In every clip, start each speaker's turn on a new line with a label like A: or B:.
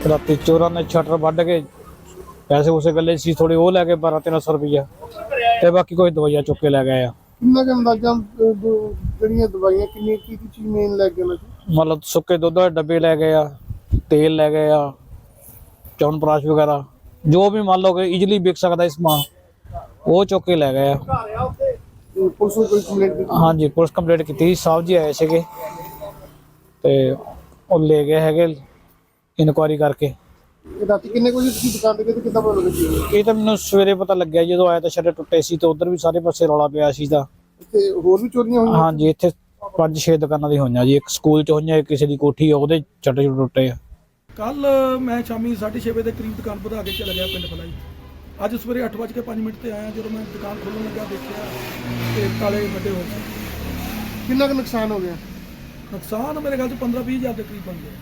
A: राती चोरां ने शटर वढ़ के पैसे उसे गले सी थोड़े वो लैके 1200-1300 रुपया ते बाकी कोई दवाइयां चुक के लै गए आ।
B: किन्ना का अंदाजा जड़ियां दवाइयां किन्नी की चीज मेन लग गया
A: मतलब सुक्के दुध के डब्बे लै गए आ, तेल लै गए आ, च्यवनप्राश वगैरह जो भी मान लो कि इजीली बिक सकता है समान वो चुक के लै गए आ।
B: पुलिस को कोई कंप्लेंट की?
A: हाँ जी पुलिस कंप्लेंट की साहब जी आए थे ते वो ले गए है इनकुआरी करके।
B: राती किन्ने को ਤੁਸੀਂ ਦੁਕਾਨ ਤੇ ਕਿੱਦਾਂ ਪਤਾ ਲੱਗਾ?
A: ਇਹ ਤਾਂ ਮੈਨੂੰ ਸਵੇਰੇ ਪਤਾ ਲੱਗਿਆ ਜਦੋਂ ਆਇਆ ਤਾਂ ਸ਼ਟਰ ਟੁੱਟੇ ਸੀ ਤੇ ਉਧਰ ਵੀ ਸਾਰੇ ਪਾਸੇ ਰੌਲਾ ਪਿਆ ਸੀ ਤਾਂ
B: ਇੱਥੇ ਹੋਰ ਵੀ ਚੋਰੀਆਂ ਹੋਈਆਂ?
A: ਹਾਂਜੀ ਇੱਥੇ 5-6 ਦੁਕਾਨਾਂ ਦੀ ਹੋਈਆਂ ਜੀ, ਇੱਕ ਸਕੂਲ ਚ ਹੋਈਆਂ, ਕਿਸੇ ਦੀ ਕੋਠੀ ਆ ਉਹਦੇ ਸ਼ਟਰ ਟੁੱਟੇ ਆ।
C: ਕੱਲ ਮੈਂ ਸ਼ਾਮੀ 6:30 ਵਜੇ ਦੇ ਕਰੀਬ ਦੁਕਾਨ ਵਧਾ ਕੇ ਚਲਾ ਗਿਆ ਪਿੰਡ ਫਲਾਈ। ਅੱਜ ਸਵੇਰੇ 8:05 ਤੇ ਆਇਆ, ਜਦੋਂ ਮੈਂ ਦੁਕਾਨ ਖੋਲ੍ਹਣ ਲੱਗਾ ਦੇਖਿਆ ਤੇ ਤਾਲੇ ਵੱਡੇ ਹੋਏ ਸੀ।
B: ਕਿੰਨਾ ਕੁ ਨੁਕਸਾਨ ਹੋ ਗਿਆ?
C: ਨੁਕਸਾਨ ਮੇਰੇ ਖਿਆਲ 'ਚ 15-20 ਹਜ਼ਾਰ ਦੇ ਕਰੀਬ ਬਣ ਗਿਆ।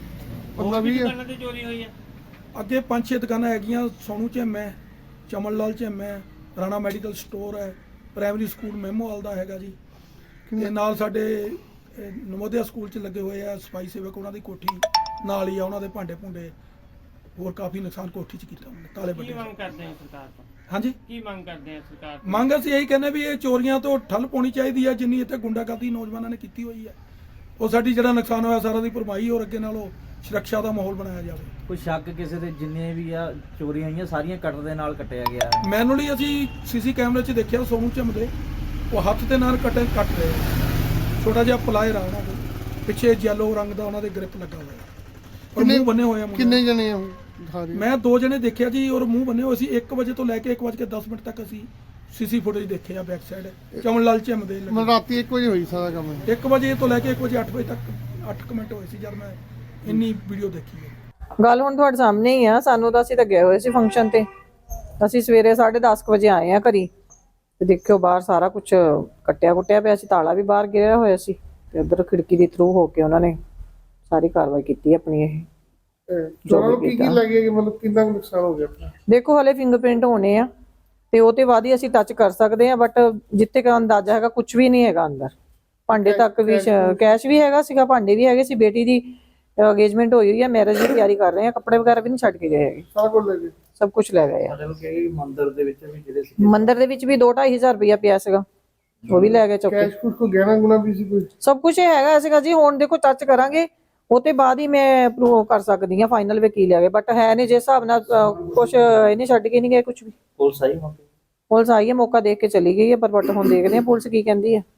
B: 15-20
D: ਦੁਕਾਨਾਂ ਤੇ ਚੋਰੀ ਹੋਈ ਆ।
C: ਅੱਗੇ 5-6 ਦੁਕਾਨਾਂ ਹੈਗੀਆਂ, ਸੋਨੂ ਝਿੰਮ ਹੈ, ਚਮਨ ਲਾਲ ਝਿੰਮ ਹੈ, ਰਾਣਾ ਮੈਡੀਕਲ ਸਟੋਰ ਹੈ, ਪ੍ਰਾਇਮਰੀ ਸਕੂਲ ਮੈਮੋਵਾਲ ਦਾ ਹੈਗਾ ਜੀ, ਤੇ ਨਾਲ ਸਾਡੇ ਨਵੋਦਿਆ ਸਕੂਲ 'ਚ ਲੱਗੇ ਹੋਏ ਆ ਸਫਾਈ ਸੇਵਕ, ਉਹਨਾਂ ਦੀ ਕੋਠੀ ਨਾਲ ਹੀ ਆ, ਉਹਨਾਂ ਦੇ ਭਾਂਡੇ ਭੁੰਡੇ ਹੋਰ ਕਾਫੀ ਨੁਕਸਾਨ ਕੋਠੀ 'ਚ ਕੀਤਾ ਉਹਨੇ, ਤਾਲੇ
D: ਕੀ
C: ਵੱਡੇ।
D: ਮੰਗ ਕਰਦੇ ਆ ਸਰਕਾਰ ਤੋਂ?
C: ਹਾਂਜੀ,
D: ਕੀ ਮੰਗ ਕਰਦੇ ਆ ਸਰਕਾਰ ਤੋਂ?
C: ਮੰਗ ਅਸੀਂ ਇਹੀ ਕਹਿੰਦੇ ਵੀ ਇਹ ਚੋਰੀਆਂ ਤੋਂ ਠੱਲ ਪਾਉਣੀ ਚਾਹੀਦੀ ਹੈ। ਜਿੰਨੀ ਇੱਥੇ ਗੁੰਡਾਗਰਦੀ ਨੌਜਵਾਨਾਂ ਨੇ ਕੀਤੀ ਹੋਈ ਹੈ, ਉਹ ਸਾਡੀ ਜਿਹੜਾ ਨੁਕਸਾਨ ਹੋਇਆ ਸਾਰਾ ਦੀ ਭਰਪਾਈ ਹੋਰ ਅੱਗੇ ਨਾਲੋਂ ਸੁਰੱਖਿਆ ਦਾ ਮਾਹੌਲ ਬਣਾਇਆ ਜਾਵੇ।
E: ਕੋਈ ਸ਼ੱਕ ਕਿਸੇ ਦੇ ਜਿੰਨੇ ਵੀ ਆ ਚੋਰੀਆਂ ਹੋਈਆਂ ਸਾਰੀਆਂ ਕਟਰ ਦੇ ਨਾਲ ਕੱਟਿਆ ਗਿਆ ਹੈ।
C: ਮੈਨੂਅਲੀ ਅਸੀਂ ਸੀਸੀ ਕੈਮਰੇ 'ਚ ਦੇਖਿਆ ਸੋਨੂ ਝਿੰਮ ਦੇ ਉਹ ਹੱਥ ਦੇ ਨਾਲ ਕੱਟ ਰਹੇ ਆ। ਛੋਟਾ ਜਿਹਾ ਪਲਾਇਰ ਆ ਉਹਨਾਂ ਦੇ ਪਿੱਛੇ ਯੈਲੋ ਰੰਗ ਦਾ ਉਹਨਾਂ ਦੇ ਗ੍ਰਿਪ ਲੱਗਾ ਹੋਇਆ ਔਰ ਮੂੰਹ ਬੰਨੇ ਹੋਏ ਆ।
B: ਕਿੰਨੇ ਜਣੇ ਆ ਉਹ?
C: ਮੈਂ 2 ਜਣੇ ਦੇਖਿਆ ਜੀ ਔਰ ਮੂੰਹ ਬੰਨੇ ਹੋਏ ਸੀ। 1 ਵਜੇ ਤੋਂ ਲੈ ਕੇ 1:10 ਤੱਕ ਅਸੀਂ ਸੀਸੀ ਫੁਟੇਜ ਦੇਖੇ ਆ ਬੈਕ ਸਾਈਡ ਚਮਨ ਲਾਲ ਝਿੰਮ ਦੇ।
B: ਮਤਲਬ ਰਾਤੀ 1 ਵਜੇ ਹੋਈ ਸਾਰਾ ਕੰਮ?
C: 1 ਵਜੇ ਤੋਂ ਲੈ ਕੇ 1 ਵਜੇ 8 ਵਜੇ ਤੱਕ 8 ਮਿੰਟ ਹੋਏ ਸੀ ਜਦ ਮੈਂ ਇੰਨੀ ਵੀਡੀਓ ਦੇਖੀ ਹੈ।
F: ਗੱਲ ਹੁਣ ਤੁਹਾਡੇ ਸਾਹਮਣੇ ਹੀ ਆ। ਸਾਨੂੰ ਤਾਂ ਅਸੀਂ ਤਾਂ ਗਏ ਹੋਏ ਸੀ ਫੰਕਸ਼ਨ ਤੇ, ਅਸੀਂ ਸਵੇਰੇ 10:30 ਵਜੇ ਆਏ ਆ ਘਰੀ ਤੇ ਦੇਖਿਓ ਬਾਹਰ ਸਾਰਾ ਕੁਝ ਕੱਟਿਆ ਪਿਆ ਸੀ, ਤਾਲਾ ਵੀ ਬਾਹਰ ਗਿਰਿਆ ਹੋਇਆ ਸੀ ਤੇ ਉਧਰ ਖਿੜਕੀ ਦੇ ਥਰੂ ਹੋ ਕੇ ਉਹਨਾਂ ਨੇ ਸਾਰੀ ਕਾਰਵਾਈ ਕੀਤੀ ਆਪਣੀ। ਇਹ
B: ਚੋਰਾਂ ਨੂੰ ਕੀ ਲੱਗਿਆ ਕਿ ਮਤਲਬ ਕਿੰਨਾ ਨੁਕਸਾਨ ਹੋ ਗਿਆ ਆਪਣਾ?
F: ਦੇਖੋ ਹਲੇ ਫਿੰਗਰਪ੍ਰਿੰਟ ਹੋਣੇ ਆ ਤੇ ਉਹ ਤੇ ਬਾਅਦ ਹੀ ਅਸੀਂ ਟੱਚ ਕਰ ਸਕਦੇ ਆ, ਬਟ ਜਿੱਥੇ ਦਾ ਅੰਦਾਜ਼ਾ ਹੈਗਾ ਕੁਝ ਵੀ ਨਹੀਂ ਹੈਗਾ ਅੰਦਰ। ਭਾਂਡੇ ਤੱਕ ਵੀ ਕੈਸ਼ ਵੀ ਹੈਗਾ ਸੀਗਾ, ਭਾਂਡੇ ਵੀ ਹੈਗੇ ਸੀ। ਬੇਟੀ ਦੀ ਅੰਗੇਜਮੈਂਟ ਹੋਈ ਹੈ, ਮੈਰਿਜ ਦੀ ਤਿਆਰੀ ਕਰ ਰਹੇ ਆ, ਕੱਪੜੇ ਵਗੈਰਾ ਵੀ ਨਹੀਂ ਛੱਡ ਕੇ ਗਏ ਹੈਗੇ,
B: ਸਾਰਾ ਕੁਝ ਲੈ ਗਏ,
F: ਸਭ ਕੁਝ ਲੈ ਗਏ ਆ।
E: ਮਤਲਬ ਕਿ ਮੰਦਿਰ ਦੇ ਵਿੱਚ ਵੀ ਜਿਹੜੇ ਸੀ,
F: ਮੰਦਿਰ ਦੇ ਵਿੱਚ ਵੀ 2-2.5 ਹਜ਼ਾਰ ਰੁਪਇਆ ਪਿਆ ਸੀਗਾ, ਉਹ ਵੀ ਲੈ ਗਏ ਚੁੱਕ ਕੇ।
B: ਕੈਸ਼ ਕੁਝ ਕੋ ਗਹਿਣਾ ਗੁਣਾ ਵੀ ਸੀ ਕੋਈ?
F: ਸਭ ਕੁਝ ਹੈਗਾ ਸੀਗਾ ਜੀ। ਹੁਣ ਦੇਖੋ ਟੱਚ ਕਰਾਂਗੇ ਉਹ ਤੇ ਬਾਅਦ ਹੀ ਮੈਂ ਪ੍ਰੂਵ ਕਰ ਸਕਦੀ ਹਾਂ ਫਾਈਨਲ ਵੇ ਕੀ ਲੈ ਗਏ, ਬਟ ਹੈ ਨਹੀਂ ਜਿਸ ਹਿਸਾਬ ਨਾਲ ਕੁਝ ਇਹਨੇ ਛੱਡ ਕੇ ਨਹੀਂ ਗਏ ਕੁਝ ਵੀ।
E: ਪੁਲਿਸ ਆਈ ਮੌਕੇ?
F: ਪੁਲਿਸ ਆਈ ਹੈ, ਮੌਕਾ ਦੇਖ ਕੇ ਚਲੀ ਗਈ ਹੈ, ਪਰ ਬਟ ਹੁਣ ਦੇਖਦੇ ਹਾਂ ਪੁਲਿਸ ਕੀ ਕਹਿੰਦੀ ਹੈ।